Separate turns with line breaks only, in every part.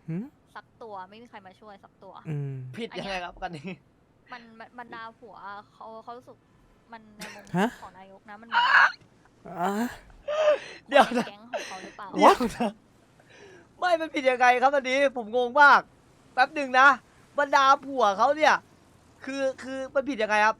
หืม
สักตัวไม่มีใครมาช่วยสักตัว
ผิดยังไงครับกันนี้
มันบรรดาผัวเขารู้สึกมันในมุม
ฮะ
ของนายกนะมันเหมือน
อ่ะ
เดี๋ยว
คนใน
นะ
แก๊งของเขาหรือเปล่า
เดี๋ยวนะไม่มันผิดยังไงครับอันนี้ผมงงมากแป๊บหนึ่งนะบรรดาผัวเขาเนี่ย คือมันผิดยังไงครับ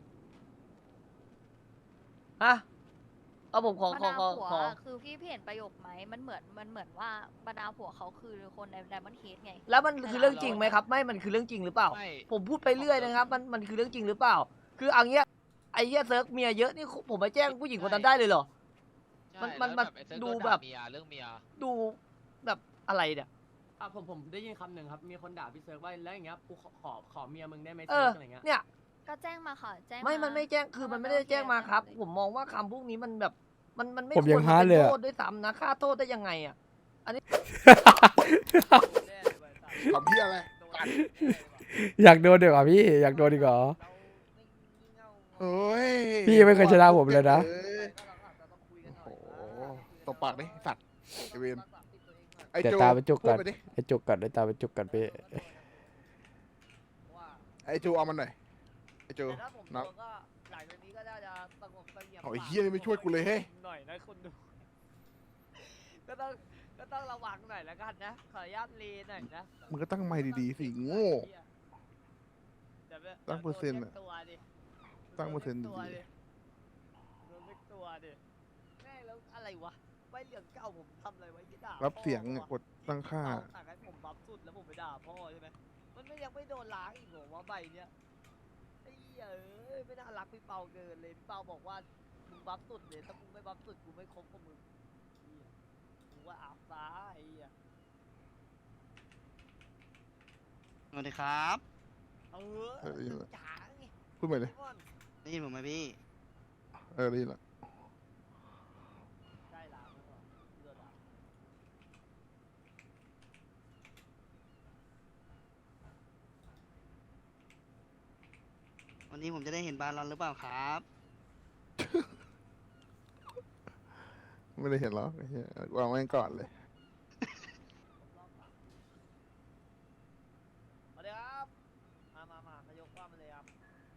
ฮะเอาผมขอบ
รร
ขอ
ดา
ขอ
ผัว
ขอ
คือพี่เห็นประโยคไหมมันเหมือนว่าบรรดาผัวเขาคือคนในไดมอนด์เฮดไง
แล้วมันคือเรื่องจริงไหมครับ ไม่มันคือเรื่องจริงหรือเปล่า
ไม่
ผมพูดไปเรื่อยนะครับมันคือเรื่องจริงหรือเปล่า คืออันเนี้ยไอ้เหี้ยเซิร์ฟเมียเยอะนี่ผมไปแจ้งผู้หญิงคนนั้นได้เลยเหรอ
ใช่
มัน
แล้วไอ้เซิร์ฟ
ดู
โน
แบบ
ด่าเมียเรื่องเมีย
ดูแบบอะไรเนี่ย
ผมได้ยินคำหนึ่งครับ มีคนด่าพี่เซิร์ฟว่าแล้วอย่างเงี้ยกูขอเมียมึงได้ไหม
เอ
เซิ
อ
ร์ฟอะไรเงี้ย
เนี่ย
ก็แจ้งมาค่ะแจ้ง
มันไม่แจ้งคือมันไม่ได้แจ้งมาครับ ผมมองว่าคำพวกนี้มันแบบมันไม่
ผมยัง
ควร
ฮาร์ด
เป็น
เลยอะ
โทษด้วยซ้ำนะค่าโทษได้ยังไงอ่ะอันนี้
ทำเพี้ยอะไร
อยากโดนเดี๋ยวอ่ะพี่อยากโดนดีกว่า
โอ้ย
พี่ยังไม่เคยชนะผมเลยนะ
โอ้โหตบปากดิสัตว์ไอเวนไอ
เดี๋ยว
จู
ตาไปจุก
พู
กั
ด
น
ไปดิ
ไอจุกกัดได้ตาไปจุกกันพี่
ไอจูเอามันหน่อยไอจู
แต่ถ้าผมโด
นับ
นก็หลังจากนี้ก็น่าจะสงบเสงี่ยม
เอาไอ้เหี้ยนี่ไม่ช่วยกูเลยเฮ้ย
หน่อยนะคุณดู ก็ต้องระวังหน่อยแล้วกันนะขออนุญาตเลหน่อยนะ
มึงก็ตั้งไมค์ดีๆสิโง่
เดี๋ยว
ตั้งเปอร์เซ็นต์อะ
โดตัวดิ
ตั้งเปอร์เซ็นต์
โด
ดี
นเล็กตัวดิแม่งแล้วอะไรวะใบเหลืองเก่าผมทำอะไรไว้ที่ด่า
รับเสียง
พ่อวะ
กดตั้งค่า
เอาสั่งให้ผมบัฟสุดแล้วผมไปด่าพ่อใช่ไหมมันไม่ยังไม่โดนล้างอีกเหรอวะใบเนี้ยไอ้เหี้ยเอ้ยไม่น่ารักพี่เปาเกินเลยพี่เปาบอกว่ามึงบัฟสุดเลยถ้ามึงไม่บัฟสุดกูไม่คบกับมึงเหี้ยกูว่าอาบฟ้าไอ้เหี้ย
สวัสดีครับ
เอ
เออได้ยินแล้ว
จ๋าไง
พูดใหม่เลย
พี่ม่อน
ได้ยินผมไหมพี่
ได้ยินละ
ได้ล้างแล้วเหรอเลือดล้าง
วันนี้ผมจะได้เห็นบาลอนหรือเปล่าครับ
ไม่ได้เห็นหรอกไอ้เหี้ยวางไว้ก่อนเลย
สวัสดีครับมานายกว่ามาเลยครับ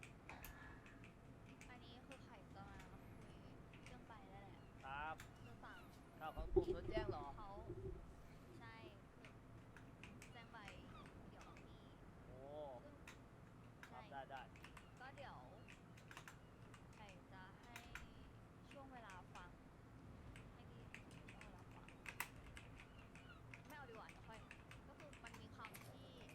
อันนี้คือไข่จะมาคุยเรื่องใบแล้วแหละ
ครับ
คือฝั่ง
ข่าวของผมโดนแจ้งเหรอ
เขาใช่แจ้งใบเกี่ยวกับพี่
โอ้
ซึ่ง
ครับ
ใช่
ได้
ก็เดี๋ยวไข่จะให้ช่วงเวลาฟังให้พี่ช่วงเวลาฟังไม่เอาดีกว่าเดี๋ยวค่อยก็คือมันมีคำที่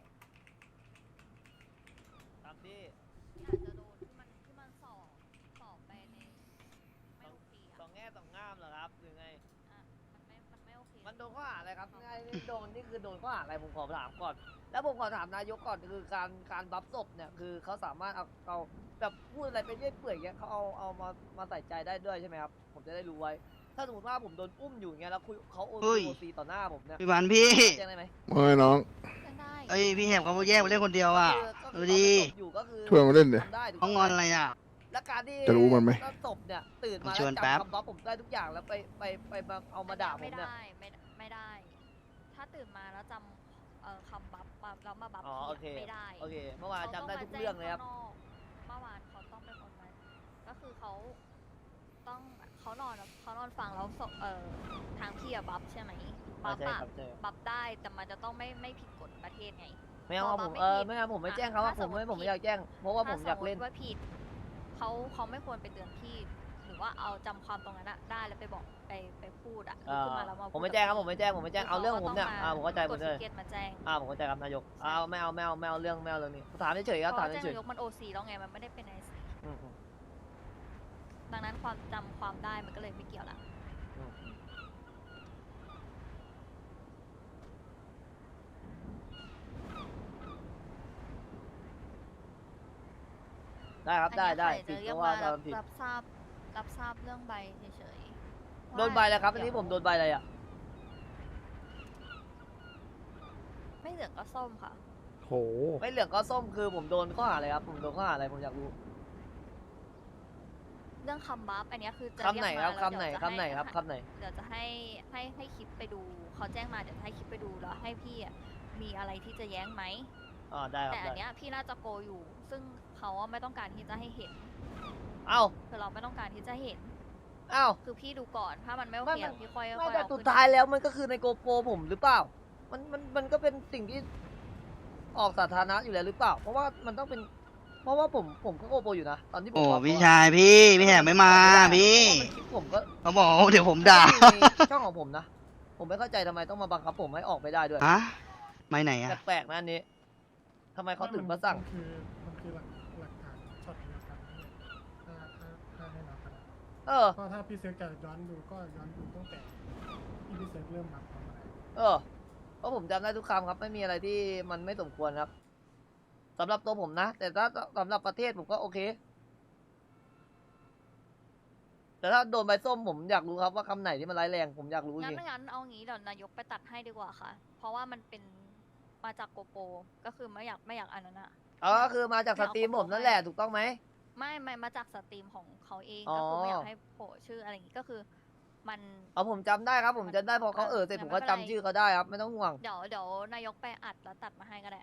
ตามที่
อาจจะโดนที่มันสอบไปในไม่โอเค
สองแง่สองงามเหรอครับหรือไง
อ่ะมันไม่โอเค
มันโดนข้อหาอะไรครับง่ายนี่โดนนี่คือโดนข้อหาอะไรผมขอถามก่อน แล้วผมขอถามนายกก่อนคือการบัฟศพเนี่ยคือเขาสามารถเอาแบบพูดอะไรไปเรื่อยเปื่อยอย่างเงี้ยเขาเอามาใส่ใจได้ด้วยใช่ไหมครับผมจะได้รู้ไว้ ถ้าสมมติว่าผมโดนอุ้มอยู่อย่างเงี้ยแล้วคุยเขาโอ
เฮ้ย
ซีต่อหน้าผมเนี่ย
พี่บานพี่
แจ้งได้ไหม
ไม่น้อง
เล่นได้
เอ้ยพี่แหบเขาแยกไปเล่นคนเดียวอ่ะ
ก็คือ
ดูดิ
เขาเป็นศพอยู่ก็คือ
ชวนมาเล่นดิ
ทำได้ถูก
เขางอนอะไรอ่ะ
และการที่
จะรู้มันไหม
ถ้าศพเนี่ยตื่นมา
ผมช
แล้ว
วนแป๊บ
จำคำบัฟผมได้ทุกอย่างแล้วไปมาเอามาด่าผม
ไม่
เนี่ย
ได้ไม่ได้ ถ้าตื่นมาแล้วจำคำบัฟแล้วมาบัฟ
อ๋อโอเค
ไม่ได้
โอเคเมื่อวานจำได้ทุกเรื่องเลยครับ
ขาต้องมาแจ้งข้างนอกเมื่อวานเขาต้องเป็นคนมาก็คือเขาต้องเขานอนฟังแล้วทางพี่อะบัฟใช่ไหมบัฟ
ใช่
อะ
ครับใช่
บัฟได้แต่มันจะต้องไม่ผิดกฎประเทศไง
ไม่เอาผมไม่เอาผมไม่แจ้งเขาว่าผมไม่อยากแจ้ง เพราะว่าผมอยากเล่น
ถ้สมมติว่าผิดเขาไม่ควรไปเตือนพี่หรือว่าเอาจำความตรงนั้นอะได้แล้วไปบอกไปพูดอะลุกขึ้นมาแล้วมาพูด
ผมไม่แจ้งครับ
กั
ผมไม่แจ้งเอาเรื่องของผมเนี่ยผมเข้าใจหมดเลย
กดทิเก็ตมาแจ้ง
ผมเข้าใจครับนายกไม่เอาเรื่องนี้ถามเฉยๆครับ
เพ
ถาม
ราะแจ้ง
เฉย
นายกมันโอซีแล้วไงมันไม่ได้เป็นไอซี
ๆอืม
ดังนั้นความจำความได้มันก็เลยไม่เกี่ยวละ
ได้ครับได้
อันนี้
ผิด
จะ
เพ
เรียก
ราะว่า
ว่า
เราผิด
รับทราบเรื่องใบเฉยๆ
โดนใบแล้วครับอันนี้ผมโดนใบอะไรอ่ะ
ไม่เหลืองก็ส้มค่ะ
โห
ไม่เหลืองก็ส้มคือผมโดนข้อหาอะไรครับผมโดนข้อหาอะไรผมอยากรู้
เรื่องคำบัฟอันเนี้ยคือจะ
คำไหนครับ
เยกมา
คำไหน
แล้ว
คำไหนครับคำไหน
เดี๋ยวจะให้คลิปไปดูเขาแจ้งมาเดี๋ยวให้คลิปไปดูแล้วให้พี่อะมีอะไรที่จะแย้งไหม
ได้ครับ
แต่อัน
ได้
เนี้ยพี่น่าจะโกอยู่ ซึ่งเขาอะไม่ต้องการที่จะให้เห็น
เอ้า
คือเราไม่ต้องการที่จะเห็น
เอ้า
คือพี่ดูก่อน ถ้ามันไม่โอ
ไม่
เค
มัน
อะพี่ค่อย
ไม่
ค่อย
แต่
เอา
สุด
ขึ้น
ท้ายแล้วมันก็คือในโกโปรผมหรือเปล่า มันก็เป็นสิ่งที่ออกสาธารณะอยู่แล้วหรือเปล่า เพราะว่ามันต้องเป็น เพราะว่าผมก็โกโปรอยู่นะ ตอนที่ผม
โอ้
บอก
พี่
เขา
ชายพี่แหบไม่มาพี่
เพราะมันคลิปผมก็
เขาบอกว่าเดี๋ยวผมด่า
ในช่องของผมนะ ผมไม่เข้าใจทำไมต้องมาบังคับผมให้ออกไม่ได้ด้วย
ฮะไม่ไหนอะ
แปลกๆนะอันนี้ทำไมเขาถึงมาสั่ง
มันคือหลักฐานช็อตเดียวกันนี่ถ้าให้นับกัน
เออ
ก็ถ้าพี่เซิร์ฟจะย้อนดูก็ย้อนดูตั้งแต่ที่พี่เซิร์ฟเริ่มมาทำอะไร
เออ เพราะผมจำได้ทุกคำครับ ไม่มีอะไรที่มันไม่สมควรครับสำหรับตัวผมนะ แต่ถ้าสำหรับประเทศผมก็โอเค แต่ถ้าโดนใบส้มผมอยากรู้ครับว่าคำไหนที่มันร้ายแรงผมอยากรู้จ
งั้น
ริง
ไม่งั้นเอางี้เดี๋ยวนายกไปตัดให้ดีกว่าค่ะ เพราะว่ามันเป็นมาจากโกโปรก็คือไม่อยากอันนั้นอะ
อ๋อก็คือมาจากสตรีมผมนั่นแหละถูกต้องไหม
ไม่มาจากสตรีมของเขาเอง
อ๋อ
ก็คือไม่อยากให้โผล่ชื่ออะไรอย่างงี้ก็คือ มัน
เอาผมจำได้ครับ ผมจำได้พอเขาเสร็จผมก็จำชื่อเขาได้ครับ ไม่ต้องห่วง
เดี๋ยวนายกไปอัดแล้วตัดมาให้ก็ได้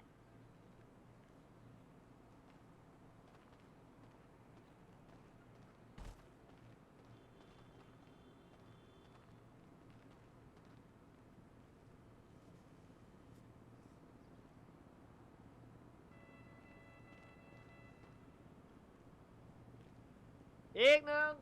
อีกหนึ่ง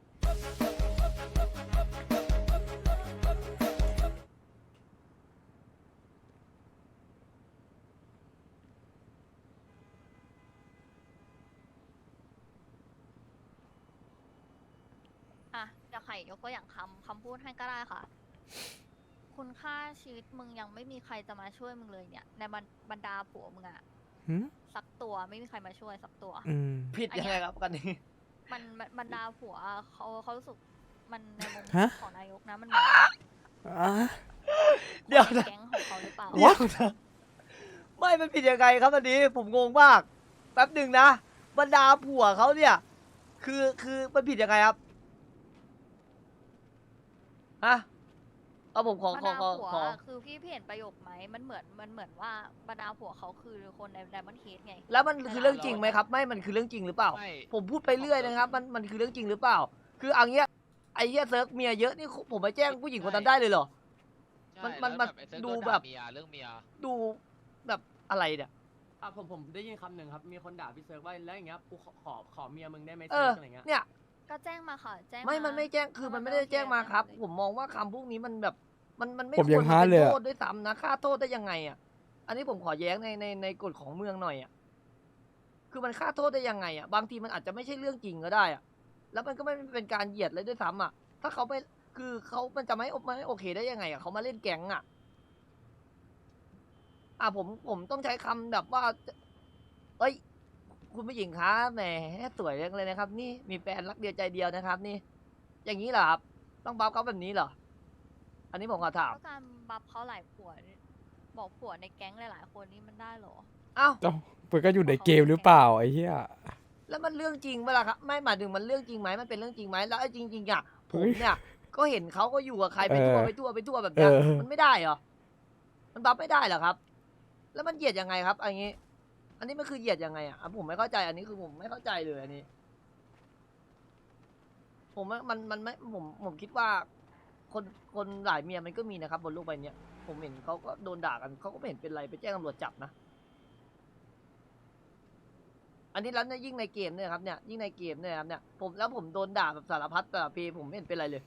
อ่ะเดี๋ยวไข่ยกตัวอย่างคำพูดให้ก็ได้ค่ะ คุณค่าชีวิตมึงยังไม่มีใครจะมาช่วยมึงเลยเนี่ย ในบรรดาผัวมึงอะ
หืม
สักตัวไม่มีใครมาช่วยสักตัว
อืม
ผิดยังไงครับกันนี้
มันบรรดาผัวเขารู้สึกมันในมุม
ฮะ
ของนายกนะมันเหมือน
อ่ะ
เดี๋ยวนะ
แก๊งของเขาหรือเปล่า
เดี๋ยวนะไม่มันผิดยังไงครับอันนี้ ผมงงมาก แป๊บหนึ่งนะ บรรดาผัวเขาเนี่ย คือมันผิดยังไงครับ ฮะ เอาผมขอบ
รร
ขอ
ดา
ขอ
ผัว
ขอ
คือพี่เห็นประโยคไหมมันเหมือนว่าบรรดาผัวเขาคือคนในไดมอนด์เฮดไง
แล้วมันคือเรื่องจริงไหมครับ ไม่ มันคือเรื่องจริงหรือเปล่า
ไม่
ผมพูดไปเรื่อยนะครับ มันคือเรื่องจริงหรือเปล่า คือเอางี้ไอ้เหี้ยเซิร์ฟเมียเยอะนี่ผมไปแจ้งผู้หญิงคนนั้นได้เลยเหรอ
ใช่
มัน
แล้วไอ้เซิร์ฟ
ดู
โน
แบบ
เมียเรื่องเมีย
ดูแบบอะไรเนี่ย
ผมได้ยินคำหนึ่งครับ มีคนด่าพี่เซิร์ฟว่าแล้วอย่างเงี้ยกูขอเมียมึงได้ไหม
เอ
เซิ
อ
ร์ฟอะไรเงี้ย
เนี่ย
ก็แจ้งมาค่ะแจ้ง
ไม่
า
มันไม่แจ้ง คือมันไม่ได้แจ้งมาครับ ผมมองว่าคำพวกนี้มันแบบ มันไม่
ผมยัง
ควร
ฮาร์ด
เป็น
เลยอะ
โทษด้วยซ้ำนะ ค่าโทษได้ยังไงอ่ะ อันนี้ผมขอแย้งในกฎของเมืองหน่อยอ่ะ คือมันค่าโทษได้ยังไงอ่ะ บางทีมันอาจจะไม่ใช่เรื่องจริงก็ได้อ่ะ แล้วมันก็ไม่เป็นการเหยียดเลยด้วยซ้ำอ่ะ ถ้าเขาไม่ คือเขามันจะไม่โอเคได้ยังไงอ่ะ เขามาเล่นแก๊งอ่ะ ผมต้องใช้คำแบบว่า เอ้ย คุณผู้หญิงคะแหมสวยจังเลยนะครับ นี่มีแฟนรักเดียวใจเดียวนะครับ นี่ อย่างนี้เหรอครับ ต้องบัฟเขาแบบนี้เหรอ อันนี้ผมขอถาม
ก็การบัฟเขาหลายผัวบอกผัวในแก๊งหลายๆคนนี่มันได้เหรอ
เอ้า
เอ้ามันก็อยู่ในเกมหรือเปล่าไอ้เหี้ย
แล้วมันเรื่องจริงไหมล่ะครับ ไม่หมายถึงมันเรื่องจริงไหมมันเป็นเรื่องจริงไหมแล้วไอ้จริงๆอ่ะผ
เฮ้
ม
ย
เนี่ย ก็เห็นเขาก็อยู่กับใครไป
เออ
ทั่วแบบเนี้ย
เออ
มันไม่ได้เหรอ มันบัฟไม่ได้เหรอครับ แล้วมันเหยียดยังไงครับ อันนี้ อันนี้มันคือเหยียดยังไงอ่ะผมไม่เข้าใจ อันนี้คือผมไม่เข้าใจเลยอันนี้ ผมว่ามันไม่ผมคิดว่า คนหลายเมียมันก็มีนะครับบนโลกใบเนี้ยผมเห็นเขาก็โดนด่ากันเขาก็ไม่เห็นเป็นไรไปแจ้งตำรวจจับนะ อันนี้แล้วเนี่ยยิ่งในเกมเนี่ยครับเนี่ยยิ่งในเกมเนี่ยครับเนี่ยผมโดนด่าแบบสารพัดสารเพผมไม่เห็นเป็นไรเลย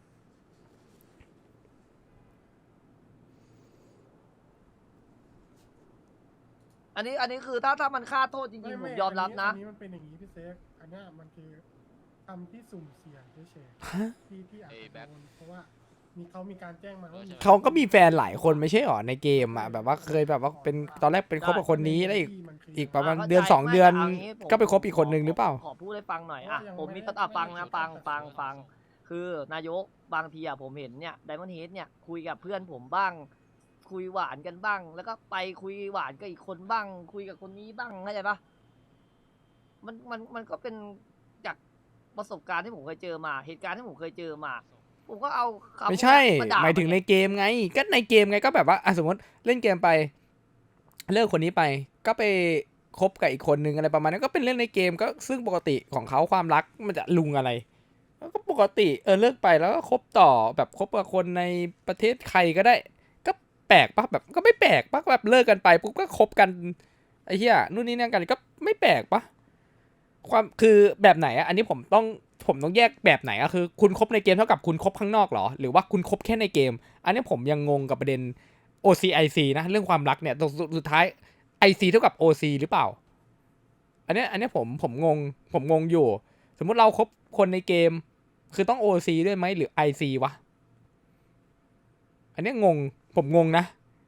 อันนี้คือถ้ามันค่าโทษจริงๆผมยอมรับนะ
อันนี้มันเป็นอย่างนี้พี่เซิร์ฟอันเนี้ยมันคือคำที่สุ่มเสี่ยงเฉย
ฮะ
ๆที่อาจ
ไอ้
จะ
แบ็ค
โดนเพราะว่ามีการแจ้งมาว่ามี
เขาก็มีแฟนหลายคนไม่ใช่หรอในเกมอ่ะแบบว่าเคยแบบว่าเป็นตอนแรกเป็นคบกับคนนี้แล้วอีกประมาณ
เข้าใจ
เดือนสอง
ไม่
เดือน
แต่เอางี้ผม
ก็ไปคบอีกคนนึงหรือเปล่า
ขอพูดให้ฟังหน่อยอ่ะผมมีฟังนะฟังคือนายกบางทีอ่ะผมเห็นเนี่ยไดมอนด์เฮดเนี่ยคุยกับเพื่อนผมบ้าง คุยหวานกันบ้าง แล้วก็ไปคุยหวานกับอีกคนบ้าง คุยกับคนนี้บ้างเข้าใจปะมันก็เป็นจากประสบการณ์ที่ผมเคยเจอมา เหตุการณ์ที่ผมเคยเจอมา ผมก็เอาคำ
ไม่ใช่
พวกเนี้ยาด่
หมายถึงในเกมไง ก็ในเกมไงก็แบบว่าอ่ะสมมติเล่นเกมไปเลิกคนนี้ไปก็ไปคบกับอีกคนนึงอะไรประมาณนั้นก็เป็นเรื่องในเกมก็ซึ่งปกติของเขาความรักมันจะลุงอะไรก็ปกติเลิกไปแล้วก็คบต่อแบบคบกับคนในประเทศใครก็ได้ก็แปลกปะแบบก็ไม่แปลกปะแบบเลิกกันไปปุ๊บก็คบกันไอ้เหี้ยนู่นนี่นั่นกันก็ไม่แปลกปะความคือแบบไหนอะอันนี้ผมต้องแยกแบบไหนอะคือคุณคบในเกมเท่ากับคุณคบข้างนอกเหรอหรือว่าคุณคบแค่ในเกม อันนี้ผมยังงงกับประเด็น OCIC นะเรื่องความรักเนี่ยตรงสุดท้าย IC เท่ากับ OC หรือเปล่า อันเนี้ยผมงงอยู่ สมมุติเราคบคนในเกม คือต้อง OC ด้วยไหมหรือ IC วะ อันเนี้ยงงผมงงนะ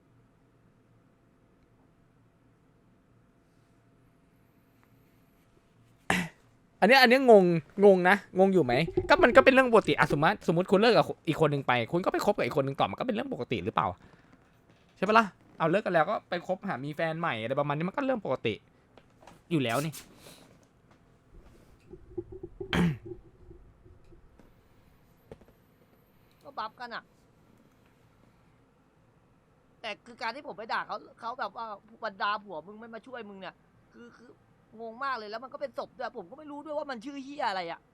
อันเนี้ยงงนะงงอยู่ไหมก็มันก็เป็นเรื่องปกติอะสมมติคุณเลิกกับอีกคนหนึ่งไป คุณก็ไปคบกับอีกคนหนึ่งต่อมันก็เป็นเรื่องปกติหรือเปล่าใช่ปะล่ะเอาเลิกกันแล้วก็ไปคบหามีแฟนใหม่อะไรประมาณนี้มันก็เรื่องปกติอยู่แล้วนี่
ก็บัฟกันอ่ะ แต่คือการที่ผมไปด่าเขาแบบว่าบรรดาผัวมึงไม่มาช่วยมึงเนี่ย คืองงมากเลยแล้วมันก็เป็นศพด้วยผมก็ไม่รู้ด้วยว่ามันชื่อเฮียอะไรอ่ะ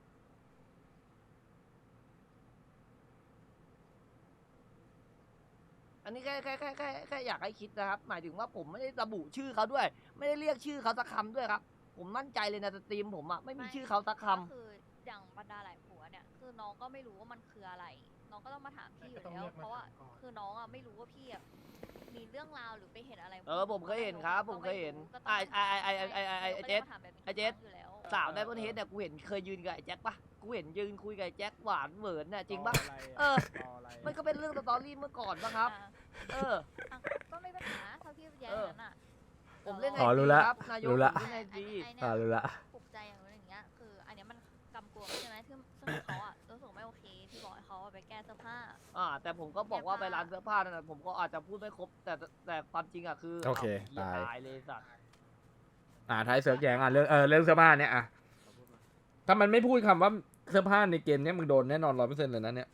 อันนี้แค่อยากให้คิดนะครับ หมายถึงว่าผมไม่ได้ระบุชื่อเขาด้วย ไม่ได้เรียกชื่อเขาสักคำด้วยครับ ผมมั่นใจเลยในสตรีมผมอ่ะไม่มีชื่อเขาสักคำ
ก็คืออย่างบรรดาหลายผัวเนี่ยคือน้องก็ไม่รู้ว่ามันคืออะไร น้องก็ต้องมาถามพี่อยู่แล้ว เพราะว่าคือน้องอ่ะไม่รู้ว่าพี่อ่ะมีเรื่องราวหรือไปเห็นอะไร
ผมเคยเห็นครับผมเคยเห็นไอ้เจสไอ้เจส สาวในบนเฮดเนี่ยกูเห็นเคยยืนกับไอ้แจ็คปะกูเห็นยืนคุยกับไอ้แจ็คหวานเหวินน่ะจริงปะมันก็เป็นเรื่องสตอรี่เมื่อก่อนปะครับ
ก็ไม่เป็นปัญหาถ้าพี่แย้งนั้นอ่ะ
ผมเล่นใน
อ๋อรู้
ดี
ละ
ครับนายก
รู้ละ
ผมเล่นในดี
รู้ละ
ปลุกใจอย่างนู้นอย่างเงี้ยคืออันเนี้ยมันกำกวมใช่ไหมซึ่งเขาอ่ะรู้สึกไม่โอเคที่บอกให้เขาไปแก้เสื้อผ้า
แต่ผมก็บอกว่าไปร้านเสื้อผ้านั่นแหละผมก็อาจจะพูดไม่ครบแต่ความจริงอะคือ
โอเค
เหี้ย
ตาย
ตายเลยสัตว์
ท้ายเซิร์ฟแยงเรื่องเสื้อผ้าเนี่ยอะถ้ามันไม่พูดคำว่าเสื้อผ้าในเกมเนี้ยมึงโดนแน่นอน100%เลยนะเนี่ย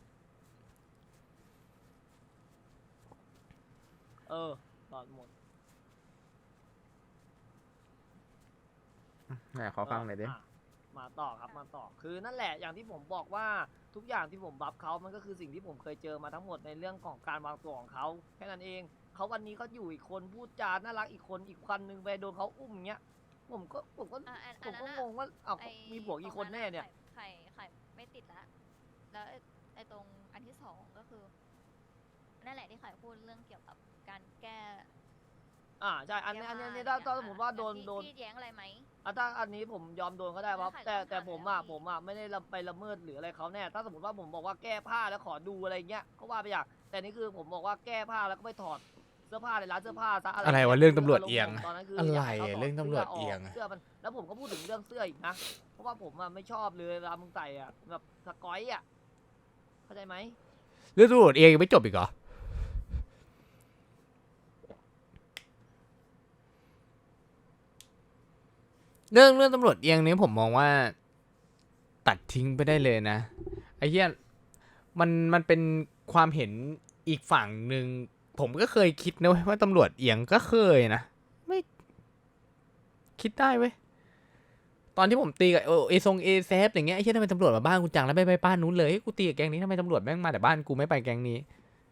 ตอนหมด
ไหนขอฟังหน่อยดิ
มาต่อครับมาต่อคือนั่นแหละอย่างที่ผมบอกว่าทุกอย่างที่ผมบัฟเขามันก็คือสิ่งที่ผมเคยเจอมาทั้งหมดในเรื่องของการวางตัวของเขาแค่นั้นเองเขาวันนี้เขาอยู่อีกคนพูดจาน่ารักอีกคนนึงไปโดนเขาอุ้มอย่างเงี้ยผมก็งงว่ามีผัวกี่คนแน่เนี่ย
ไข่ไม่ติดละแล้วไอ้ตรงอันที่สองก็คือนั่นแหละที่ไข่พูดเรื่องเกี่ยวกับการแก้
ใช่อันนี้ถ้าสมมติว่าโดน
พี่แย้งอะไรไหม
ถ้าอันนี้ผมยอมโดนก็ได้ครับ
ไม่
แต่
ค่ะ
แต่
ไม่
ผม
ค่ะ
ไม่ได้ไปละเมิดหรืออะไรเขาแน่ถ้าสมมติว่าผมบอกว่าแก้ผ้าแล้วขอดูอะไรเงี้ยก็ว่าไปอย่างแต่นี่คือผมบอกว่าแก้ผ้าแล้วก็ไปถอดเสื้อผ้าในร้านเสื้อผ้าซะอะไร
อะไรวะเรื่องตำรวจเอียง
ตอนนั้นคือ
อะไร
ยากให้ขาถด
เรื่องตำรวจเอียง
เสื้อมันแล้วผมก็พูดถึงเรื่องเสื้ออีกนะเพราะว่าผมไม่ชอบเลยเวลามึงใส่แบบสกอยเข้าใจไหม
เรื่องตำรวจเองยังไม่จบอีกเหรอเรื่องตำรวจเอียงนี้ผมมองว่า ตัดทิ้งไปได้เลยนะไอ้เหี้ยมันเป็นความเห็นอีกฝั่งหนึ่งผมก็เคยคิดนะเว้ยว่าตำรวจเอียงก็เคยนะไม่คิดได้เว้ยตอนที่ผมตีกับเอเซฟอย่างเงี้ยไอ้เหี้ยทำไมตำรวจมาบ้านกูจังแล้วไม่ไปบ้านนู้นเลยกูตีกับแก๊งนี้ทำไมตำรวจแม่งมาแต่บ้านกูไม่ไปแก๊งนี้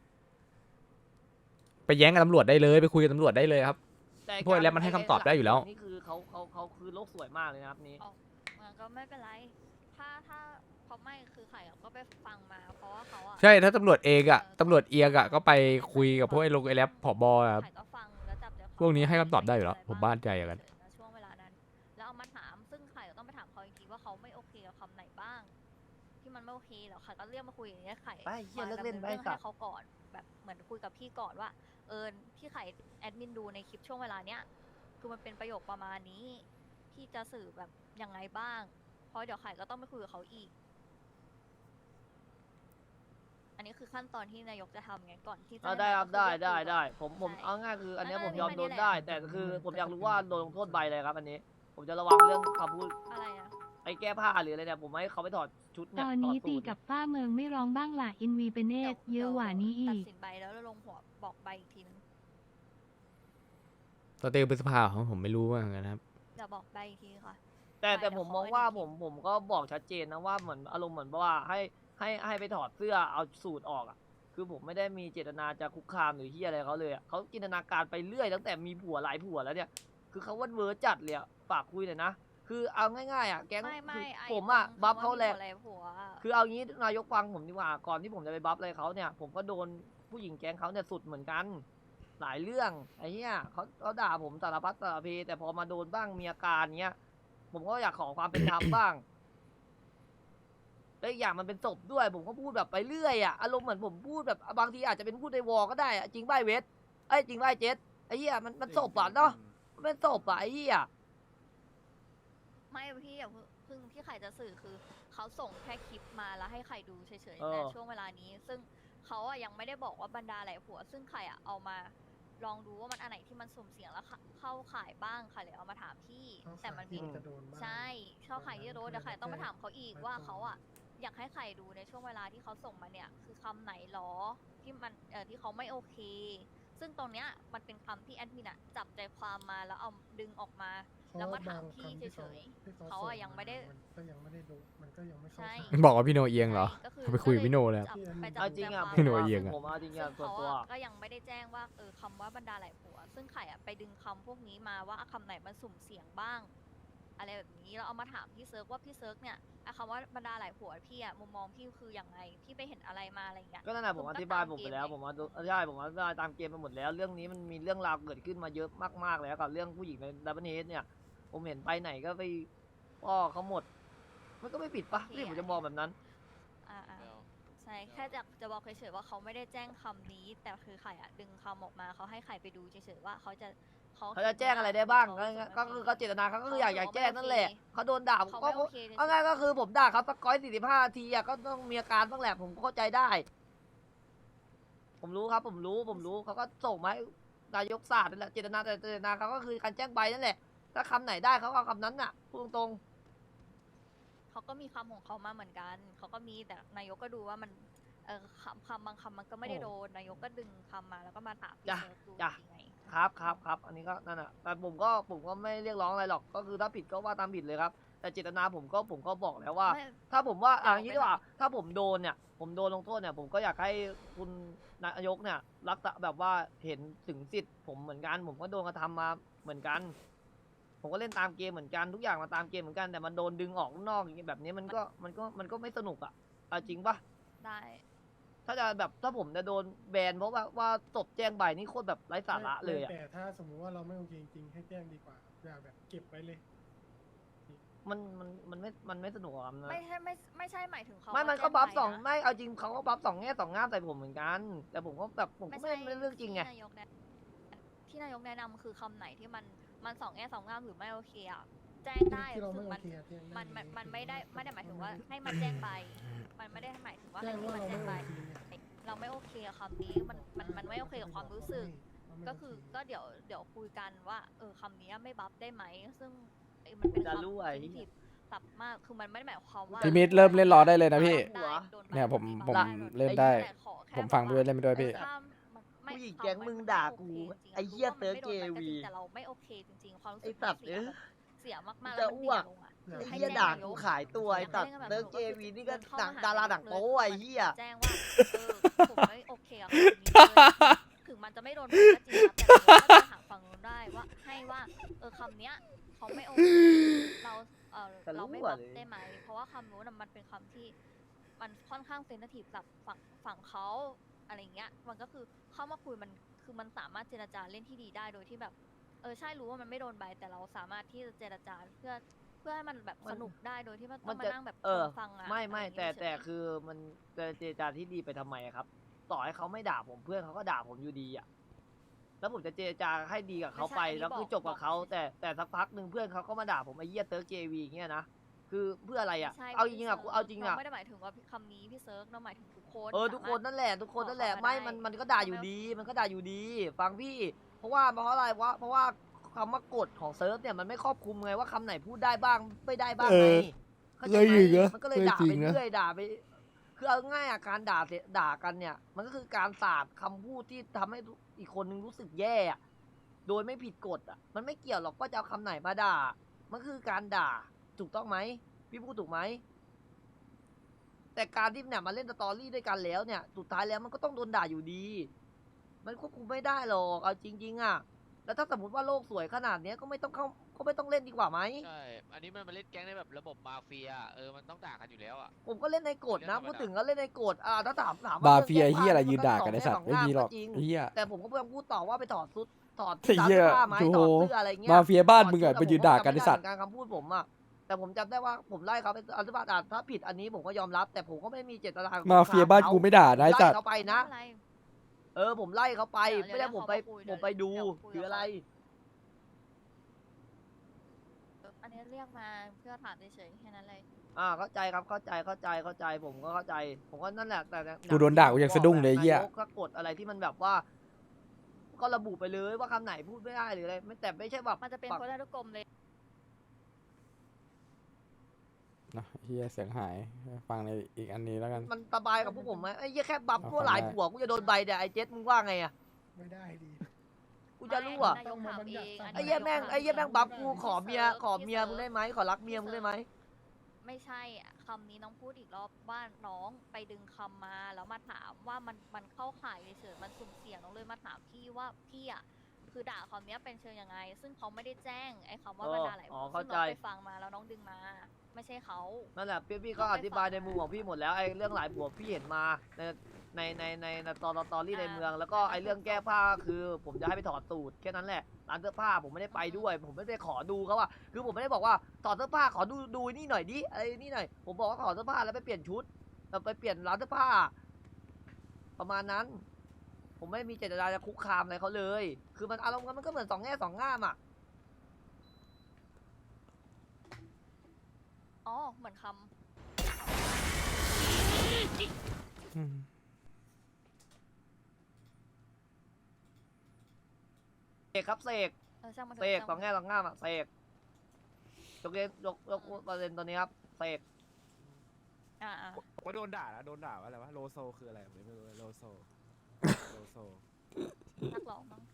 ไปแย้งกับตำรวจได้เลยไปคุยกับตำรวจได้เลยครับ
แต่
พวกไอ้แรปมันให้คำตอบได้อยู่แล้ว
นี่คือเขาคือโลกสวยมากเลยนะครับนี้
มันก็ไม่เป็นไรถ้าเพราะไม่คือไข่ก็ไปฟังมาเพราะว่าเขาอะ
ใช่ถ้าตำรวจเองอะตำรวจเอียงอะก็ไปคุยกับพวกไอ้ลงไอ้แรปผบครับ
ไข่ก็ฟังแล้วจับใจความ
พวกนี้ให้คำตอบได้อยู่แล้วผมบ้านใจอย่างนั้น
ช่วงเวลานั้นแล้วเอามาถามซึ่งไข่ก็ต้องไปถามเขาอีกทีว่าเขาไม่โอเคกับคำไหนบ้าง ที่มันไม่โอเคแล้วไข่ก็เรียกมาคุยอย่างเงี้ยไข่
ไปเหี้ยเลิกเล่นไป
ให้
สัตว์
เขาก่อนแบบเหมือนคุยกับพี่ก่อนว่าที่ไข่แอดมินดูในคลิปช่วงเวลาเนี้ยคือมันเป็นประโยคประมาณนี้ที่จะสื่อแบบยังไงบ้างเพราะเดี๋ยวไข่ก็ต้องไปคุยกับเขาอีก อันนี้คือขั้นตอนที่นายกจะทำไงก่อนที่จะ
ได้ครับได้
ให้นายกคุยกับ
ผม
ใช่
เอาง่ายคืออันเนี้ย
ไม่
ผมยอม
ไม่
โดน
ไม่
ได้
ได้
แต่คือผมอยากรู้ว่าโดนลงโทษใบอะไรครับอันนี้ ผมจะระวังเรื่องคำพูด
อะไรอะ
ไอ้แก้ผ้าหรืออะไรเนี่ยผมให้เขาไปถอดชุด
ต
เนี่ย
อนนี้
ถอดสู
ตี
ท
กับป้าเมืองไม่ร้องบ้างล่ะอินวีเป็นเนตเยอะกว่านี้อี
ตัด
ก
สินใบแล้วลงหัวบอกใบอีกทีนึง
ตอนเดือนพฤษภาคมผมไม่รู้ว่าเหมือนกันนะครับ
เดี๋ยวบอกได้อีกทีค่ะ
แต่
ใช่
ผม
เดี๋ยว
มอง
ขอ
ว่า
ให้
ผมก็บอกชัดเจนนะว่าเหมือนอารมณ์เหมือนว่าให้ไปถอดเสื้อเอาสูตรออกอ่ะคือผมไม่ได้มีเจตนาจะคุกคามหรือที่อะไรเขาเลยอ่ะเขาจินตนาการไปเรื่อยตั้งแต่มีผัวหลายผัวแล้วเนี่ยคือเขาวันเวอร์จัดเลยอ่ะฝากคุยหน่อยนะคือเอาง่ายๆอ่ะแก๊ง
ไม่
คือ
ไอ้
ผมอ่ะ
ตรง
บัฟ
คำ
เขา
ว่
แหละ
มีผัวอะไรผัวอะ
คือเอางี้นายกฟังผมดีกว่าก่อนที่ผมจะไปบัฟอะไรเขาเนี่ย ผมก็โดนผู้หญิงแก๊งเขาเนี่ยสุดเหมือนกัน หลายเรื่องไอ้เหี้ยเขาด่าผมสารพัดสารเพแต่พอมาโดนบ้างมีอาการเงี้ย ผมก็อยากขอความเป็นธรรมบ้างแล้วอีกอย่างมันเป็นศพด้วย ผมก็พูดแบบไปเรื่อยอ่ะอารมณ์เหมือนผมพูดแบบบางทีอาจจะเป็นพูดในวอลก็ได้อะจริงป่ะไอ้เวทไอ้ยจริงป่ะไอ้เจสไอ้เหี้ยมันศพอ่ะเนาะมันเป็นศพอ่ะไอ้เหี้ย
ไม่พี่อย่าเพิ่งที่ใครจะสื่อคือเขาส่งแค่คลิปมาแล้วให้ใครดูเฉย
เอ
ๆ
อ
ในช่วงเวลานี้ ซึ่งเขาอะยังไม่ได้บอกว่าบรรดาไหลผัว ซึ่งใครอะเอามาลองดูว่ามันอันไหนที่มันสุ่มเสี่ยงแล้วเข้าข่ายบ้างค่ะเลยเอามาถามพี่
เข้า
แต่มันมี
ข่ายที่จะโดนบ้าง
ใช่เข้าข่ายที่จะโดนแต่ใครต้องมาถามเขาอีกว่า
ไปต่อ
เขาอะอยากให้ใครดูในช่วงเวลาที่เขาส่งมาเนี่ยคือคำไหนหรอที่มันที่เขาไม่โอเค ซึ่งตรงเนี้ยมันเป็นคำที่แอดมินอะจับใจความมาแล้วเอาดึงออกมา แล้วมาถามพี่เฉยๆเขาอะยังไม่ได้
มันก็ยังไม่ได้ดูมันก็ยังไม่เข้า
ใช่
ข่าย
บอกว่าพี่โนเอียงเหรอ
ใช่ก็คือ
เขาไปคุยกับพี่โน่เลยครับ
จับไปจับ
เอาจริงอ่ะ
ใจ
พี่หนู
ความ
เอียงอะ
ผมเอาจริง
ซึ่
อ่ะ
ง
ส่วน
เขา
ตัว
อะก็ยังไม่ได้แจ้งว่าคำว่าบรรดาไหลผัว ซึ่งไข่อะไปดึงคำพวกนี้มาว่าคำไหนมันสุ่มเสี่ยงบ้าง อะไรแบบนี้แล้วเอามาถามพี่เซิร์กว่าพี่เซิร์กเนี่ยคำว่าบรรดาไหลผัวพี่อะมุมมองพี่คืออย่างไงพี่ไปเห็นอะไรมาอะไรอย่างเงี้ย
ก็นั่นแหละผมอธิบายผมไปแล้ว ผมว่าใช่ผมอธิบายตามเกมไปหมดแล้ว เรื่องนี้มันมีเรื่องราวเกิดขึ้นมาเยอะมากๆแล้วกับเรื่องผู้หญิงในดับเบิลเฮดเนี่ย ผมเห็นไปไหนก็ไปป้อเขาหมด มันก็ไม่ผิดปะที่ผมจะมองแบบนั้น
อ่าใช่แค่จะบอกเฉยๆว่าเขาไม่ได้แจ้งคำนี้ แต่คือไข่อะดึงคำออกมาเขาให้ไข่ไปดูเฉยๆว่าเขาจะ
เขาจะแจ้งอะไรได้บ้างก็คือเขาเจตนาเขาก็คืออยากแจ้งนั่นแหละเขาโดนด่าผม
เขา
ก็
ไม่โอเค
เอาง่ายก็คือผมด่าเขาสัก145 ทีอะก็ต้องมีอาการบ้างแหละผมเข้าใจได้ ผมรู้ครับผมรู้เขาก็ส่งมาให้นายกศาสตร์นั่นแหละเจตนาแต่เจตนาเขาก็คือการแจ้งใบนั่นแหละถ้าคำไหนได้เขาก็เอาคำนั้นน่ะพูดตรง
เขาก็มีคำของเขามาเหมือนกันเขาก็มีแต่นายกก็ดูว่ามันคำบางคำมันก็ไม่ได้โดนนายกก็ดึงคำมาแล้วก็มาถามพี่เซิร์ชดูจริงไง
ๆครับอันนี้ก็นั่นน่ะแต่ผมก็ไม่เรียกร้องอะไรหรอกก็คือถ้าผิดก็ว่าตามผิดเลยครับ แต่เจตนาผมก็บอกแล้วว่า
ไม่
ถ้าผมว่า
เดี๋ยว
อย่างนี้ดีกว่าถ้าผมโดนเนี่ยผมโดนลงโทษเนี่ยผมก็อยากให้คุณนายกเนี่ยรักษาแบบว่าเห็นถึงสิทธิ์ผมเหมือนกันผมก็โดนกระทำมาเหมือนกัน ผมก็เล่นตามเกมเหมือนกันทุกอย่างมาตามเกมเหมือนกันแต่มันโดนดึงออกข้างนอกอย่างนี้แบบนี้มันก็ไม่สนุกอ่ะเอาจริงปะ
ได้
ถ้าจะแบบถ้าผมจะโดนแบนเพราะว่าตบแจ้งใบนี่โคตรแบบไร้สาระเลยอ่ะ
แต่ถ้าสมมุติว่าเราไม่โอเคจริงๆให้แจ้งดีกว่าอย่าแบบเก็บไว้เลย
มันไม่สนุกอะครับนะ
ไม่ใช่หมายถึงเขา
ไม่
มั
มันก็บัฟสองไม่เอาจริงเขาก็บัฟ2 แง่ 2 งามใส่ผมเหมือนกัน แต่ผมก็แบบผมก็ไม่เรื่องจริงไง
ที่นายกแนะนำคือคำไหนที่มันสองแง่สองงามหรือไม่โอเคอะแจ้งได้
ที่เรา
คื
ไม่
อ
โอเคอะแจ้งได้
มันไม่ได้หมายถึงว่าให้มันแจ้งใบมันไม่ได้หมายถึงว่า
แจ้
ให้
งว่า
มัน
เรา
แจ้
ไม่
ง
โอ
ใบ
เคเนี่ย
เราไม่โอเคกับคำนี้มันไม่โอเคกับความรู้สึก ก็คือก็เดี๋ยวคุยกันว่าคำนี้ไม่บัฟได้ไหมซึ่งมันเป็น
จะ
คำ
รู้ไอ้
ที่ผิดสับมากคือมันไม่ได้หมายความว่า
พี่มิตรเริ่มเล่นรอได้เลยนะพี่
ได้โดนใบ
เนี่ยผม
โดนใบ
เล่นได้
แต่ขอแค่
ผมฟังด้วยเล่นไปด้วยพี่
ถ้าไม่
ผู้หญิง
เขา
แก๊ง
ไม่
มึงด่ากู
ไม่โคจริงๆ
ไอ้เหี้ย
รู้ว่ามันไม่โดนใบ
เซิร์ช
ก็จริง
JV
แต่เราไม่โอเคจริงๆความรู้
ไอ้
สึก
สัตว์
เสียมากๆ
จะ
แล้วมัน
อ้วก
เสียลงอะ
ไอ้
ไอ้
ให้
เหี้ย
แจ้ง
ด่าน
าย
กู
ก
ขายตัวไอ้ตัด
ย่าง
เลิก
ล่นกันแบบ
JV นี่ก็
เดิเข้
ดาราหนังโป๊ไอ้เหี้ย
แจ้งว่าผมไม่โอเคกับคำนี้เลยถึงมันจะไม่โดนใบก็จริงนะแต่เราก็จะหาฝั่งนู้นได้ว่าให้ว่าคำเนี้ยเขาไม่โอเคเราเราไม่บอกได้ไหมเพราะว่าคำนู้นน่ะมันเป็นคำที่มันค่อนข้างเซนซิทีฟกับฝั่งเขาอะไรเงี้ยมันก็คือเข้ามาคุยมันคือมันสามารถเจรจาเล่นที่ดีได้โดยที่แบบใช่รู้ว่ามันไม่โดนใบแต่เราสามารถที่จะเจรจาเพื่อให้มันแบบสนุกได้โดยที่ไม่ต้องมานั่งแบบฟังอะ
ไม่
อะไรอย่างเงี้ย
แต่
เฉยๆ
คือมันจะเจรจาที่ดีไปทำไมอะครับ ต่อให้เขาไม่ด่าผมเพื่อนเขาก็ด่าผมอยู่ดีอ่ะแล้วผมจะเจรจาให้ดีกับเขาไป
ไม่ใช่อันนี้
แล้วคือ
บอก
จบกับเขาแต่สักพักหนึ่งเพื่อนเขาก็มาด่าผมไอ้เหี้ยเติร์กเจวีอย่างเงี้ยนะคือเพื่ออะไรอ่ะ
ใช่
เอาจริงอ่ะ
พี่
กูเอาจริงอ่ะ
ไม่ได้หมายถึงว่าคำนี้พี่เซิร์กเราหมายถึงทุกคน
ทุกคนนั่นแหละทุกคนนั่นแหละ
ขอ
ไม่
เข้ามาได้
มันก็ด่าอยู่ดี มันก็ด่าอยู่ดี ฟังพี่ เพราะอะไรวะเพราะว่าคำว่ากฎของเซิร์ฟเนี่ยมันไม่ครอบคลุมไงว่าคำไหนพูดได้บ้างไม่ได้บ้างไงเข้าใจไหมมันก็เลยด่าไปเรื่อยด่าไป คือเอาง่ายอ่ะการด่ากันเนี่ย มันก็คือการสาดคำพูดที่ทำให้อีกคนนึงรู้สึกแย่อะโดยไม่ผิดกฎอ่ะมันไม่เกี่ยวหรอกว่าจะเอาคำไหนมาด่ามันคือการด่าถูกต้องไหมพี่พูดถูกไหมแต่การที่เนี่ยมาเล่นสตอรี่ด้วยกันแล้วเนี่ยสุดท้ายแล้วมันก็ต้องโดนด่าอยู่ดี มันควบคุมไม่ได้หรอกเอาจริงๆอ่ะแล้วถ้าสมมติว่าโลกสวยขนาดเนี้ยก็ไม่ต้องเข้าก็ไม่ต้องเล่นดีกว่าไหม
ใช่ อันนี้มันมาเล่นแก๊งในแบบระบบมาเฟีย มันต้องด่ากันอยู่แล้วอ่ะ
ผมก็เล่นในกฎนะพูดถึงก็เล่นในกฎถ้าถามว่
บาเฟีย
รื่อง
เฮียอะไร
แก้ผ้
ยืนด่ากัน
มั
ไอ้สัตว์ไม่มีหรอก
จง
เฮีย
แต่ผมก็เพิ่งพูดต่อว่าไปถอดชุดถอด
ไอ้เหี้ย
เสื้อผ้าไหม
โอ้
ถ
โห
อดเสื้ออะไรเงี้ย
มาเฟียบ้านมึงอะ
ถด
ไปยืนด่ากันไอ้สัตว์
ผมจำม่ด้เหมือนการคำพูดผมอะแต่ผมจำได้ว่าผมไล่เขาไปอธิบายถ้าผิดอันนี้ผมก็ยอมรับ แต่ผมก็ไม่มีเจตนา
มาเฟียบ้านกูไม่ด่านะไอ้สัตว์
ไล่เขาไปนะ
ไม่เป็นไร
ผมไล่เขาไป
เดี๋ยว
ไม่ได้ผมไป
เดี๋ยว
ผมไปดู
เดี๋ยวคุย
หรืออะไร
อันนี้เรียกมาเพื่อถามเฉยๆแค่นั้นเลย
เข้าใจครับเข้าใจผมก็เข้าใจ ผมก็นั่นแหละแต่
กูโดนด่ากูยังสะดุ้งเลยเหี้ย
นายกก็กดอะไรที่มันแบบว่า ก็ระบุไปเลยว่าคำไหนพูดไม่ได้หรืออะไรแต่ไม่ใช่แบบ
มันจะเป็น
ปัก
โพสต์ทุกกลมเลย
นะเฮียเสียงหายฟังในอีกอันนี้แล้วกัน
มันสบายกับพวกผมไหมไอ้เหี้ยแค่บัฟ
เอา
พวกหลาย
ฟังได้
ผัวกูจะโดนใบเนี่ยไอ้เจ็ดมึงว่าไงอะ
ไม่ได้ดี
กูจะรู้อ่ะ
นายกถามเอง
ไอ้เหี้ยแม่งบัฟกูขอเมียมึงได้ไหมขอรักเมียมึงได้ไหม
ไม่ใช่คำนี้น้องพูดอีกรอบว่าน้องไปดึงคำมาแล้วมาถามว่ามันเข้าข่ายเฉยๆมันสุ่มเสี่ยงน้องเลยมาถามพี่ว่าพี่อ่ะคือด่าคำเนี้ยเป็นเชิงยังไง ซึ่งเขาไม่ได้แจ้งไอ้คำว่ามันด่าหลาย
อ๋อ
ซึ่ง
เข้า
น้
ใจ
องไปฟังมาแล้วน้องดึงมา ไม่ใช่เขา
นั่นแหละพี่ก็อธิบายในมุมของพี่หมดแล้วไอ้เรื่องหลายผัวพี่เห็นมาในตอรี่ในเมืองแล้วก็ไอ้เรื่องแก้ผ้าคือผมจะให้ไปถอดสูตรแค่นั้นแหละร้านเสื้อผ้าผมไม่ได้ไปด้วย ผมไม่ได้ขอดูเขาอะคือผมไม่ได้บอกว่าถอดเสื้อผ้าขอดูนี่หน่อยดิอะไรนี่หน่อยผมบอกว่าถอดเสื้อผ้าแล้วไปเปลี่ยนชุดไปเปลี่ยนร้านเสื้อผ้า ประมาณนั้น ผมไม่มีเจตนาจะคุกคามอะไรเขาเลย คือมันอารมณ์มันก็เหมือนสองแง่สองง่ามอะ
อ๋อเหมือนคำ
อืม
เสกครับเสก
ช่างมันเถ
เส
อะ
กสองแง่สองง่ามอะเสกยกเว้นยกประเด็นตัวนี้ครับเสก
อ่า
ผมก็โดนด่าแล้วโดนด่าว่าอะไรวะโลโซคืออะไรผมไม่รู้เลยโลโซโลโซ
นักร้องมั้ง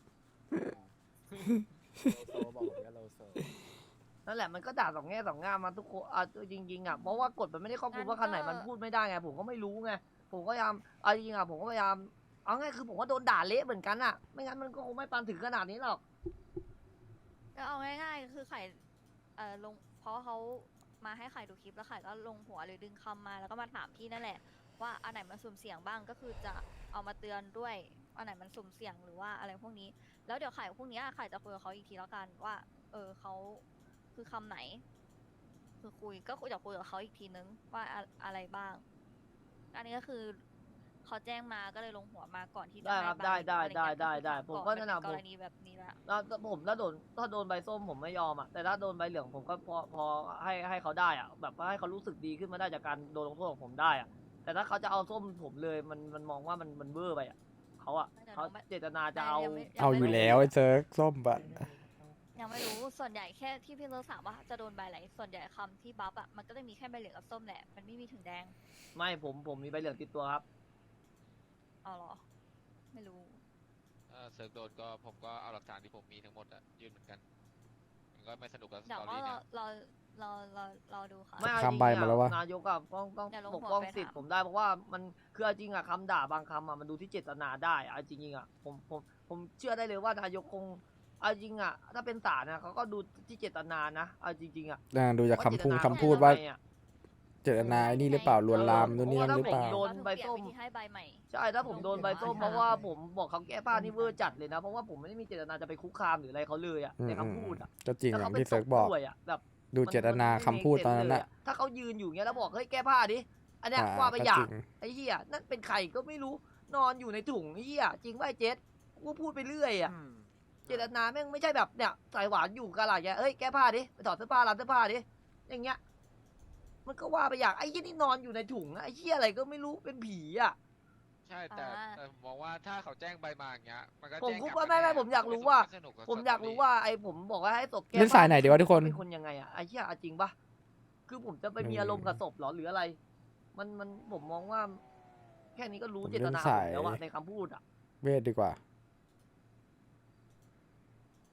โลโซบอกผมว่าโลโซ
นั่นแหละมันก็ด่าสองแง่สองง่ามมาทุกคนจริงๆอ่ะเพราะว่ากฎมันไม่ได้ครอบคลุมว่าคันไหนมันพูดไม่ได้ไงผมก็ไม่รู้ไงผมก็พยายามจริงๆอ่ะผมก็พยายามเอาง่ายคือผมก็โดนด่าเละเหมือนกันอ่ะไม่งั้นมันก็คงไม่ปานถึงขนาดนี้หรอก
ก็เอาง่ายๆคือไข่ลงเพราะเขามาให้ไข่ดูคลิปแล้วไข่ก็ลงหัวหรือดึงคำมาแล้วก็มาถามพี่นั่นแหละ ว่าอันไหนมันสุ่มเสี่ยงบ้างก็คือจะเอามาเตือนด้วยอันไหนมันสุ่มเสี่ยงหรือว่าอะไรพวกนี้ แล้วเดี๋ยวไข่พวกนี้ไข่จะคุยกับเขาอีกทีแล้วกันว่าเขาคือคำไหน คือคุยก็คุยกับเขาอีกทีนึงว่าอะไรบ้าง อันนี้ก็คือเขาแจ้งมาก็เลยลงหัวมาก่อนที่จะ
ได้ครับ
ให้
ได้
ใบหรืออะไรเงี้ย
ได้
คือ
ผมก็
อน
นั่นน่ะ
เป็กรณีแบบนี้ละ
แล้วผมถ้าโดนใบส้มผมไม่ยอมอ่ะแต่ถ้าโดนใบเหลืองผมก็พอให้เขาได้อ่ะแบบว่าให้เขารู้สึกดีขึ้นมาได้จากการโดนลงโทษของผมได้อ่ะแต่ถ้าเขาจะเอาส้มผมเลยมันมองว่ามันเบ้อไปอ่ะเขาเจตนาจะเอา
เอาอยู่แล้วไอ้เซิร์กส้มปะ
ยังไม่รู้ส่วนใหญ่แค่ที่พี่เลิกถามว่าจะโดนใบอะไรส่วนใหญ่คำที่บัฟอ่ะมันก็จะมีแค่ใบเหลืองกับส้มแหละมันไม่มีถึงแดง
ไม่ผมมีใบเหลืองติดตัวครับ
เอาเหรอไม่รู้
เซิร์ฟโดนก็ผมก็เอาหลักฐานที่ผมมีทั้งหมดอะยื่นเหมือนกันมันก็ไม่สนุกกับส
เดี๋ยว
ตอ
ก็
รี่เนี่ย
รอดูค่ะ
ไม่เอาจ
คำ
ริง
ใบ
ๆ
มาแล้ววะ
นายกอะต้อง
เดี๋ยวลง
ปก
หัว
ป้อง
ไป
สิทธิ์
ถาม
ผมได้เพราะว่ามันคือเอาจริงอะคำด่าบางคำอะมันดูที่เจตนาได้อะเอาจริงๆอะผมเชื่อได้เลยว่านายกคงเอาจริงอะถ้าเป็นศาลนะเขาก็ดูที่เจตนานะเอาจริงๆอะ
ดูจาก
ว่า
คำ
เจตนา
คำพูดว่า
เขเป็นยังไงอะ
เจตนาไอ้นี่หรือเปล่าลวนลามนู่นนี่นั่นหรือเปล่า
โดนใบส้ม
ถึงเปลี่ยนวิธีให้ใบใหม่
ใช่ถ้าผมโดนใบส้มเพราะว่าผมบอกเขาแก้ผ้านี่เวอร์จัดเลยนะเพราะว่าผมไม่ได้มีเจตนาจะไปคุกคามหรืออะไรเขาเลยอะในคำพูดอะ
ก็จริงอ
แล้ว
ย่าง
เขาไป
ที่
ต
เซิร์
บ
กบอก
ด้วยอะแบบ
ดูเจตนาคำพูดตอนนั้น
เลย
น่ะ
ถ้าเขายืนอยู่เงี้ยแล้วบอกเฮ้ยแก้ผ้าดิอันเนี้ย
อ่า
ว่าไป
ก็
อย่า
จ
ง
ริง
ไอ้เหี้ยนั่นเป็นใครก็ไม่รู้นอนอยู่ในถุงไอ้เหี้ยจริงป่ะไอ้เจ๊ดกูพูดไปเรื่อยอะเจตนาแม่งไม่ใช่แบบเนี่ยใส่หวานอยู่กันอะไรเงี้ยเอ้ยแก้ผ้าดิไปถอดเสื้อผ้าร้านเสื้อผ้าดิอย่างเงี้ยมันก็ว่าไปอย่างไอ้เหี้ยนี่นอนอยู่ในถุงอะไอ้เหี้ยอะไรก็ไม่รู้เป็นผีอะ
ใช่แต่ผมมองว่าถ้าเขาแจ้งใบมาอย่างเงี้ยมันก็
ผม
แจ้ง
คุก
กลับ
ไม่
ป
ผมอยากรู้ว่า
สนุกับ
ผมอยากรู้ว่าไอ้ผมบอกว่าให้ศพแก้
เล่นสายไหนดีวะทุกคน
เป็นคนยังไงอะไอ้เหี้ยเอาจริงปะคือผมจะไปมีอารมณ์กับศพเหรอหรืออะไร มันผมมองว่า แค่นี้ก็รู้
ผม
เจตนา
เล่น
ผ
สาย
มแล้วอะในคำพูดอะ
เวทดีกว่า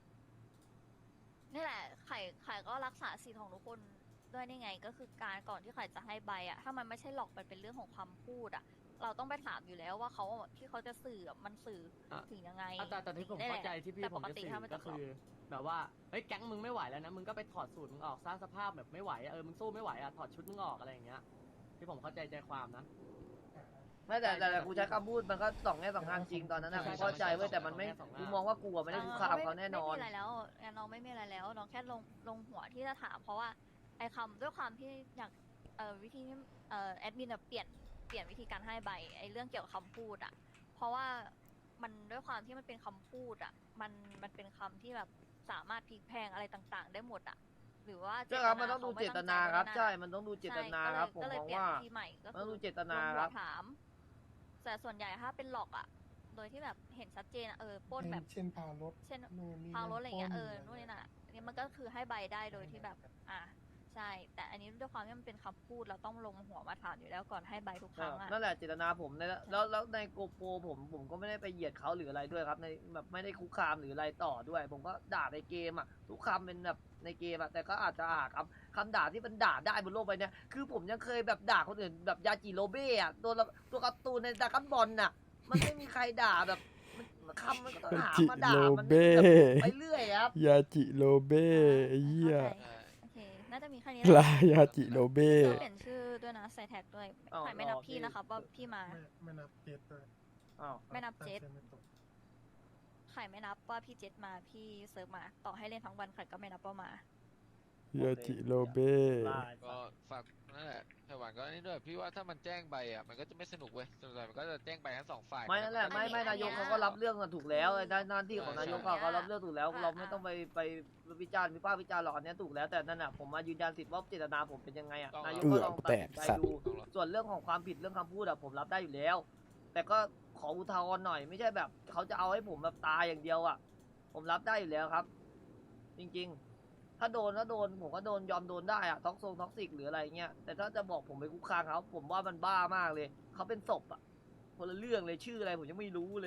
ไข่ก็รักษาสิทธิ์ของทุกคนด้วยนี่ไงก็คือการก่อนที่ไข่จะให้ใบอะถ้ามันไม่ใช่หลอกมันเป็นเรื่องของความพูดอะเราต้องไปถามอยู่แล้วว่าเขาที่เขาจะสื่ออะมันสื่อถึงยังไง
แต่ที่ผมเข้าใจที่พี่
แต่
ผ
ป
ม
ก
จะ
ติ
สื่
ถ้า
อ
มัน
ก็
จะหล
คือ แบบว่าเฮ้ยแก๊งมึงไม่ไหวแล้วนะมึงก็ไปถอดสูตรมึงออกสร้างสภาพแบบไม่ไหวอะมึงสู้ไม่ไหวอะถอดชุดมึงออกอะไรอย่างเงี้ยที่ผมเข้าใจใจความนะ
ไม่แต่กูใช้คำพูดมันก็สองแง่สองงานจริงตอนนั้นนะกูเข้าใจเว้ยแต่มันไม่กูมองว่ากูอะไม่ได้คุกคามเขาแน่นอน
ไม่มีอะไรแล้วน้องไม่มีอะไรแล้วน้องแค่ลงหัวที่จะถามเพราะว่าไอ้คำด้วยความที่อยากวิธีที่แอดมินเปลี่ยนวิธีการให้ใบไอ้เรื่องเกี่ยวกับคำพูดอะเพราะว่ามันด้วยความที่มันเป็นคำพูดอะมันเป็นคำที่แบบสามารถพลิกแพลงอะไรต่างๆ ได้หมดอะหรือว่า
ใช่ครับมันต้องดูเจตนาครับใช่มันต้องดูเจตนาครับผม
ก็เลย
มอง
เปลี่ยน
ว่า
วิธีใหม่ก็
มัน
คื
ต้อง
อ
ดูเจตนา
ลง
ค
หั
รั
ว
บ
ถาม แต่ส่วนใหญ่ถ้าเป็นหลอกอะโดยที่แบบเห็นชัดเจนอะปล้นแบบ
เช่นพารถ
เช่น
นู่นนี่
พาวรถอะไรเงี้ย
ปล้
นู่นนี่นั่นอะอันนี้มันก็คือให้ใบได้โดยที่แบบใช่ แต่อันนี้ด้วยความที่มันเป็นคำพูดเราต้องลงหัวมาถามอยู่แล้วก่อนให้ใบทุกครั้งอะ
นั่นแหละเจตนาผมในแล้วในโกโปรผมก็ไม่ได้ไปเหยียดเขาหรืออะไรด้วยครับในแบบไม่ได้คุกคามหรืออะไรต่อด้วย ผมก็ด่าในเกมอ่ะทุกคำเป็นแบบในเกมอ่ะแต่ก็อาจจะคำด่าที่มันด่าได้บนโลกใบเนี้ยคือผมยังเคยแบบด่าคนอื่นแบบยาจิโรเบ้อะตัวการ์ตูนในดราก้อนบอลน่ะมันไม่มีใครด่าแบบคำมันก็ต้องหามาด่ามันแบบไปเรื่อยครับ
ยาจิโรเบ้ไอ้เหี้ย
โอเค น่าจะมีแค่นี้
ลายาจิโรเบ้
ต้องเปลี่ยนชื่อด้วยนะใส่แท็กด้วยใครไม่นับพี่นะครับว่าพี่มา
ไม่นับเจ็ดด้วย
อ้าว
ไม่นับเจ็ด
ตั้งชื่อไม่ตก
ไข่ไม่นับว่าพี่เจ็ดมาพี่เซิร์ฟมาต่อให้เล่นทั้งวันไข่ก็ไม่นับว่ามา
ยาจิโรเบ้
ก็ฝากนั่นแหละไต้หวันก็นี่ด้วยพี่ว่าถ้ามันแจ้งใบอ่ะมันก็จะไม่สนุกเว้ยส่วนใหญ่มันก็จะแจ้งใบทั้งสองฝ่าย
ไม่นั่นแหละไม่นายกเขาก็รับเรื่องกันถูกแล้วหน้าที่ของนายกเขารับเรื่องถูกแล้วเราไม่ต้องไปวิจารณ์วิพากษ์วิจารณ์หรอกอันนี้ถูกแล้วแต่นั่นน่ะผมมายืนยันสิทธิ์ว่าเจตนาผมเป็นยังไงอ่ะนายกก็ลองตัดสินใจดูส่วนเรื่องของความผิดเรื่องคำพูดอ่ะผมรับได้อยู่แล้ว แต่ก็ขออุทธรณ์หน่อยไม่ใช่แบบเขาจะเอาให้ผมแบบตายอย่างเดียวอ่ะผมรับได้อยู่แล้วครับ จริงๆ ถ้าโดนผมก็ยอมโดนได้อะท็อกซิกหรืออะไรเงี้ยแต่ถ้าจะบอกผมไปคุกคามเขาผมว่ามันบ้ามากเลยเขาเป็นศพอะคนละเรื่องเลยชื่ออะไรผมยังไม่รู้เลย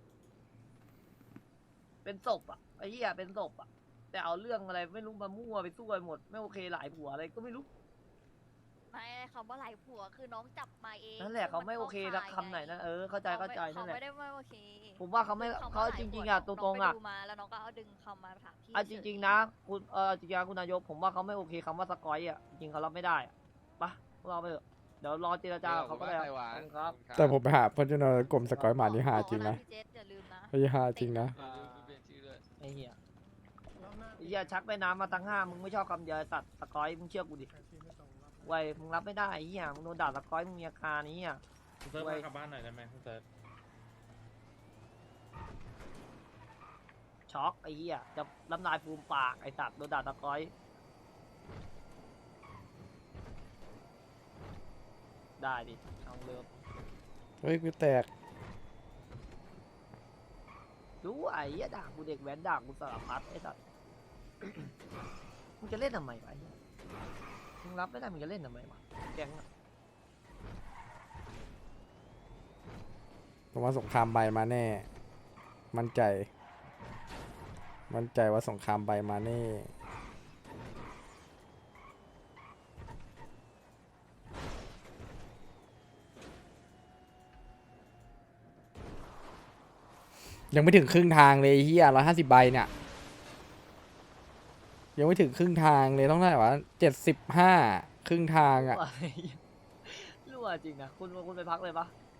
เป็นศพอะไอ้เหี้ยเป็นศพอะแต่เอาเรื่องอะไรไม่รู้มามั่วไปสู้ไปหมดไม่โอเคหลายผัวอะไรก็ไม่รู้
ไม่คำว่าไหลผัวคือน้องจับมาเอง
นั่นแหละเขาไม่โอเคสักคำไหนนะเข้าใจนั่นแห
เขา
ละ
ไม่ได้ไม่โอเค
ผมว่าเขาไม่
คือคำว่
เขา
ไหล
จริง
ผัว
ๆอะต
น้
รงๆอะ
ไปดูมาแล้วน้องก็เอาดึงคำมาถามพี่
จริงๆนะคุณจริงๆคุณนายกผมว่าเขาไม่โอเคคำว่าสกอยอ่ะจริงๆเขารับไม่ได้อะไปพวกเราไปเถอะเดี๋ยวรอเจรจากับเขาก็ได้
ไต้หวัน
ครับ
แต่ผมไปหาพจนานุกรมสกอยหมานี่หาจริงนะ
พี่เจษอย่าลืมนะ
ไอ้หาจริงนะ
เปลี่ยนชื่อด้วย
ไอ้เหี้ย
แล้วหน้า
ไอ้เหี้ยชักไปน้ำมาทั้งห้ามึงไม่ชอบคำเดียวไอ้สัตว์สกอยมึงเชื่อกูดิ
ใครชื่อไม่ตรงรับ
ไว้มึงรับไม่ได้ไอ้เหี้ยมึงโดนด่าสกอยมึงมีอาการนี้อ่ะ
คุณเซิร์ฟพากลับบ้านหน่อยได้ไหมคุณเซิร์ฟ
ช็อกไอ้เหี้ยจะน้ำลายฟูมปากไอ้สัตว์โดนด่าสกอยได้ดิเอาเร็ว
เฮ้ยกูแตก
รู้ไอ้เหี้ยด่ากูเด็กแว้นด่ากูสารพัดไอ้สัตว์ มึงจะเล่นทำไมวะไอ้เหี้ยมึงรับไม่ได้มึงจะเล่นทำไมวะแกงอะ
ผมว่าสงครามใบมาแน่ มั่นใจว่าสงครามใบมาแน่ ยังไม่ถึงครึ่งทางเลยเฮีย150 ใบเนี่ย ยังไม่ถึงครึ่งทางเลยต้องเท่าไหร่วะ75 ครึ่งทางอ่ะ
รั่วจริงนะคุณไปพักเลยปะ